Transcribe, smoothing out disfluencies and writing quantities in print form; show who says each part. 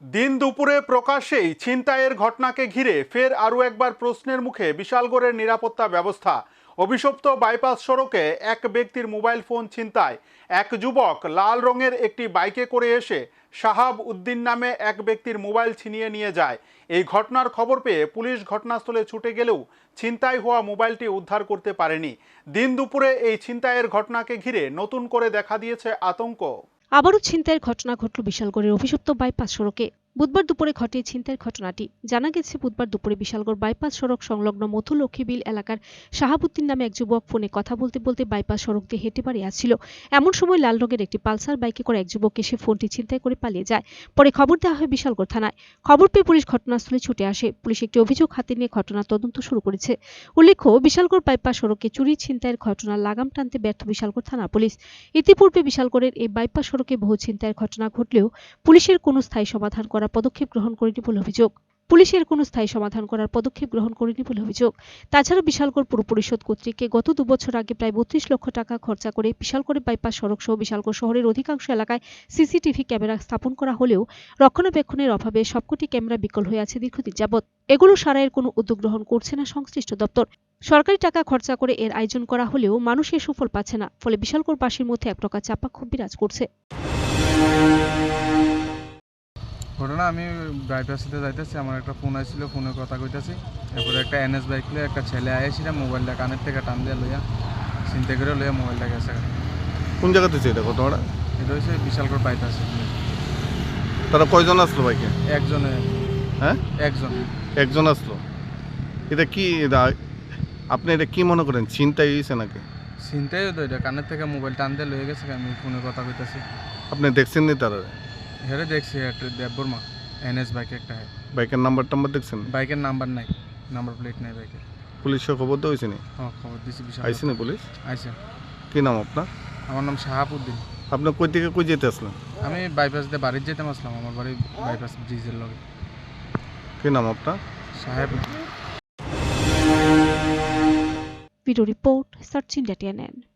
Speaker 1: দিন দুপুরে প্রকাশ্যেই ছিনতাইয়ের ঘটনাকে ঘিরে ফের আরও একবার প্রশ্নের মুখে বিশালগড়ের নিরাপত্তা ব্যবস্থা। অভিশপ্ত বাইপাস সড়কে এক ব্যক্তির মোবাইল ফোন ছিনতাই। এক যুবক লাল রঙের একটি বাইকে করে এসে শাহাব উদ্দিন নামে এক ব্যক্তির মোবাইল ছিনিয়ে নিয়ে যায়। এই ঘটনার খবর পেয়ে পুলিশ ঘটনাস্থলে ছুটে গেলেও ছিনতাই হওয়া মোবাইলটি উদ্ধার করতে পারেনি। দিন দুপুরে এই ছিনতাইয়ের ঘটনাকে ঘিরে নতুন করে দেখা দিয়েছে আতঙ্ক।
Speaker 2: আবারও ছিনতাইয়ের ঘটনা ঘটল বিশালগড়ের অভিশপ্ত বাইপাস সড়কে। বুধবার দুপুরে ঘটে ছিনতাইয়ের ঘটনাটি। জানা গেছে, বুধবার দুপুরে বিশালগড় বাইপাস সড়ক সংলগ্ন মথুলক্ষ্মী বিল এলাকার শাহাবুদ্দিন নামে এক যুবক ফোনে কথা বলতে বলতে বাইপাস সড়ক দিয়ে হেঁটে বাড়ি আসছিল। এমন সময় লাল রঙের একটি পালসার বাইকে করে এক যুবক এসে ফোনটি ছিনতাই করে পালিয়ে যায়। পরে খবর দেওয়া হয় বিশালগড় থানায়। খবর পেয়ে পুলিশ ঘটনাস্থলে ছুটে আসে। পুলিশ একটি অভিযোগ হাতে নিয়ে ঘটনার তদন্ত শুরু করেছে। উল্লেখ্য, বিশালগড় বাইপাস সড়কে চুরি ছিনতাইয়ের ঘটনার লাগাম টানতে ব্যর্থ বিশালগড় থানা পুলিশ। ইতিপূর্বে বিশালগড়ের এই বাইপাস সড়কে বহু ছিনতাইয়ের ঘটনা ঘটলেও পুলিশের কোনো স্থায়ী সমাধান করার পদক্ষেপ গ্রহণ করেনি বলে অভিযোগ। তাছাড়া বিশালগড় পুর পরিষদ কর্তৃক গত 2 বছর আগে প্রায় 32 লক্ষ টাকা খরচা করে বিশালগড়ে বাইপাস সড়ক সহ বিশালগড় শহরের অধিকাংশ এলাকায় সিসিটিভি ক্যামেরা স্থাপন করা হলেও রক্ষণাবেক্ষণের অভাবে সবকটি ক্যামেরা বিকল হয়ে আছে দীর্ঘদিন যাবৎ। এগুলো সারাইয়ের কোনো উদ্যোগ গ্রহণ করছে না সংশ্লিষ্ট দপ্তর। সরকারি টাকা খরচা করে এর আয়োজন করা হলেও মানুষ এর সুফল পাচ্ছে না। ফলে বিশালগড়বাসীর মধ্যে এক প্রকার চাপা ক্ষোভ বিরাজ করছে।
Speaker 3: ঘটনা, আমি বাইপাসিতে যাইতেছি, আমার একটা ফোন আসছিল, ফোনে কথা কইতেছি। তারপরে একটা এনএস বাইক লিয়ে একটা ছেলে আইসিরা মোবাইলটা কানের থেকে টান দিয়ে লইয়া চিন্তা করে লইয়া মোবাইলটা গেছে।
Speaker 4: কোন জায়গাতে ছিল এটা ঘটনাটা?
Speaker 3: এটা হচ্ছে বিশালগড় বাইপাস।
Speaker 4: তারা কয়জন আসলো বাইকে?
Speaker 3: একজনে।
Speaker 4: হ্যাঁ, একজন আসলো। এটা কি আপনি এটা কি মনে করেন, ছিনতাই হয়েছে নাকি?
Speaker 3: চিন্তাই হতো, এটা কানের থেকে মোবাইল টান দিয়ে লইয়া গেছে। আমি ফোনে কথা কইতেছি।
Speaker 4: আপনি দেখছেন নি তারা?
Speaker 3: হেরে দেখছি একটা দেববর্মা এনএস বাইক একটা।
Speaker 4: বাইকের নাম্বার দেখছেন?
Speaker 3: বাইকের নাম্বার নাই, নাম্বার প্লেট নাই বাইকের।
Speaker 4: পুলিশের খবর তো হয়েছে নি?
Speaker 3: হ্যাঁ, খবর দিছি। বিশাল
Speaker 4: আইসি না পুলিশ?
Speaker 3: আইসে।
Speaker 4: কি নাম আপনার?
Speaker 3: আমার নাম শাহাবুদ্দিন।
Speaker 4: আপনি কই থেকে কই যেতে আসলেন?
Speaker 3: আমি বাইপাস দিয়ে বাড়ির যেতে আসলাম। আমার বাড়ি বাইপাস ব্রিজের লগে।
Speaker 4: কি নাম আপনার?
Speaker 3: Shahabuddin.
Speaker 2: Video report, search India TNN।